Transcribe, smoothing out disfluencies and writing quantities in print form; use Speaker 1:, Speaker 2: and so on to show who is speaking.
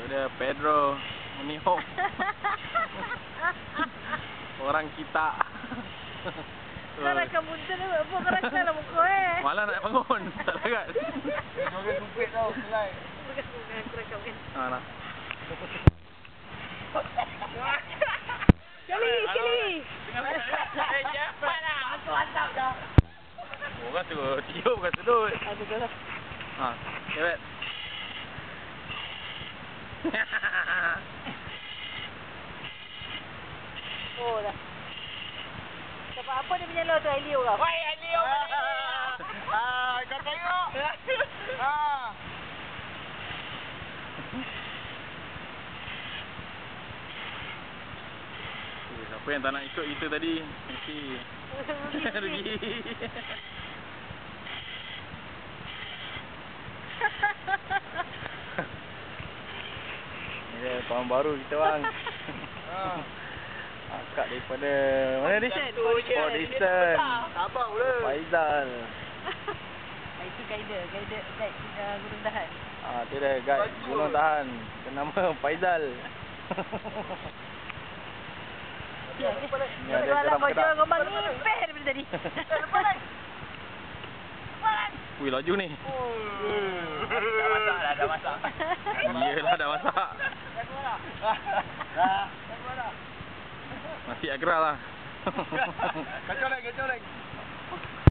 Speaker 1: Ada Pedro menihok. Orang kita.
Speaker 2: Kau nak kemudian apa kau rasa lah muka
Speaker 1: Malah nak bangun. Tak larat.
Speaker 3: Joget sumpit tau, selai.
Speaker 2: Aku rakam kan.
Speaker 1: Lah.
Speaker 2: Sekali.
Speaker 3: Cepat lah. Aku hantar dah.
Speaker 1: Orang suruh tiup bukan sedut.
Speaker 2: Betul lah.
Speaker 1: Ha, cewek.
Speaker 2: Oh dah. Sebab apa dia menyala tu Elio kau?
Speaker 3: Woi, Elio. Kau tengok.
Speaker 1: Siapa yang tak nak ikut kita tadi? Mesti rugi. Ini dia kawan baru kita bang. Akak daripada mana ni? Port Dickson.
Speaker 3: Abang pula.
Speaker 1: Faizal.
Speaker 2: Itu guide Gunung Dahan.
Speaker 1: Dia dah guide Gunung Dahan. Nama Faizal.
Speaker 2: Ya,
Speaker 1: Ni ada garam
Speaker 2: kau
Speaker 1: kedak.
Speaker 2: jual gombang ngipeh daripada tadi.
Speaker 1: Wih, laju ni.
Speaker 3: Dah masak.
Speaker 1: Iyalah, dah masak.
Speaker 3: Dah.
Speaker 1: Nasi agral lah.
Speaker 3: Kacau lagi.